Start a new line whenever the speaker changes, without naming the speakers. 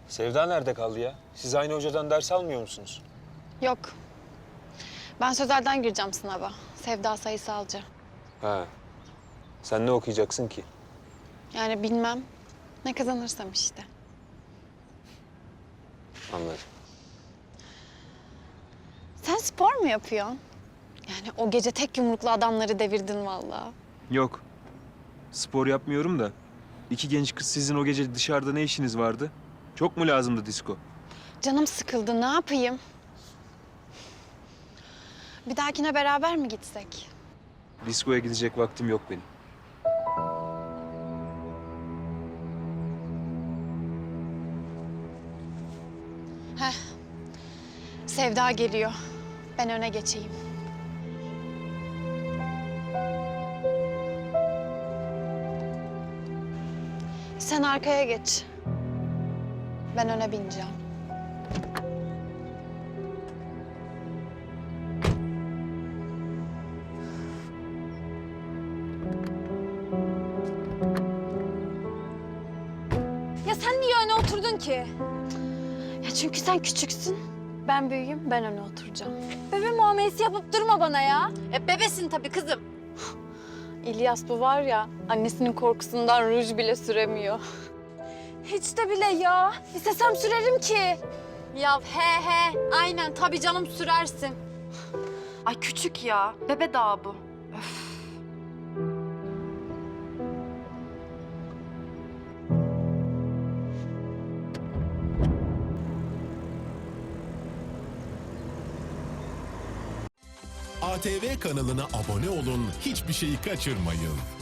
Sevda nerede kaldı ya? Siz aynı hocadan ders almıyor musunuz?
Yok. Ben sözelden gireceğim sınava. Sevda sayısalcı.
Ha. Sen ne okuyacaksın ki?
Yani bilmem. Ne kazanırsam işte.
Anladım.
Sen spor mu yapıyorsun? Yani o gece tek yumruklu adamları devirdin vallahi.
Yok. Spor yapmıyorum da. İki genç kız sizin o gece dışarıda ne işiniz vardı? Çok mu lazımdı disko?
Canım sıkıldı, ne yapayım? Bir dahakine beraber mi gitsek?
Diskoya gidecek vaktim yok benim.
Sevda geliyor. Ben öne geçeyim. Sen arkaya geç. Ben öne bineceğim.
Ya sen niye öne oturdun ki?
Ya çünkü sen küçüksün. Ben büyüğüm, ben öne oturacağım.
Bebe muamelesi yapıp durma bana ya.
Bebesin tabii kızım. İlyas bu var ya, annesinin korkusundan ruj bile süremiyor.
Hiç de bile ya. İstesem sürerim ki.
Ya he, aynen tabii canım sürersin. Ay küçük ya, bebe daha bu. Öf.
ATV kanalına abone olun, hiçbir şeyi kaçırmayın.